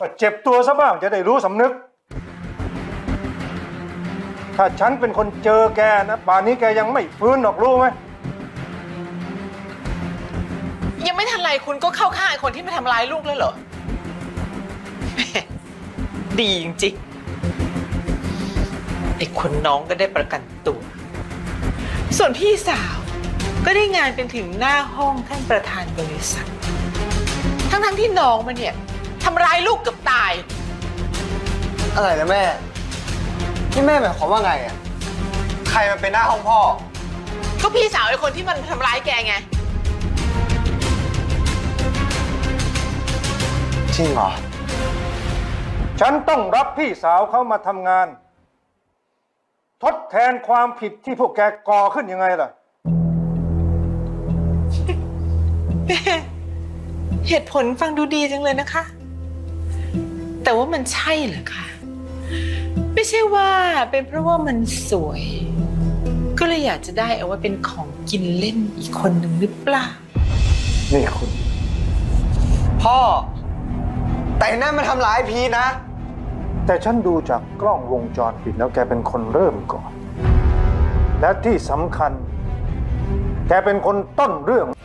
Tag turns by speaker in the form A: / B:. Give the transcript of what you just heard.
A: ก็เจ็บตัวซะบ้างจะได้รู้สำนึก ถ้าฉันเป็นคนเจอแกนะป่านนี้แกยังไม่ฟื้นหรอกรู้ไหม
B: ยังไม่ทันไรคุณก็เข้าข้างไอ้คนที่มาทำร้ายลูกแล้วเหรอ ดีจริงๆไอ้คนน้องก็ได้ประกันตัว ส่วนพี่สาวก็ได้งานเป็นถึงหน้าห้องท่านประธานบริษัท ทั้งที่น้องมันเนี่ยทำร้ายลูกเกือบตาย
C: อะไรนะแม่นี่แม่หมายความว่าไงอ่ะใครมันเป็นหน้าห้องพ่อ
B: ก็พี่สาวไอ้คนที่มันทำร้ายแกไง
C: จริงเหรอ
A: ฉันต้องรับพี่สาวเขามาทำงาน ทดแทนความผิดที่พวกแกก่อขึ้นยังไงล่ะ
B: เหตุผลฟังดูดีจังเลยนะคะ แต่ว่ามันใช่เหรอคะไม่ใช่ว่าเป็นเพราะว่ามันสวย ก็เลยอยากจะได้เอาไว้เป็นของกินเล่นอีกคนหนึ่งหรือเปล่า
A: นี่คุณ
C: พ่อ แต่นั่นมันทำร้ายพีทนะ
A: แต่ฉันดูจากกล้องวงจรปิดแล้วแกเป็นคนเริ่มก่อน และที่สำคัญ แกเป็นคนต้นเรื่อง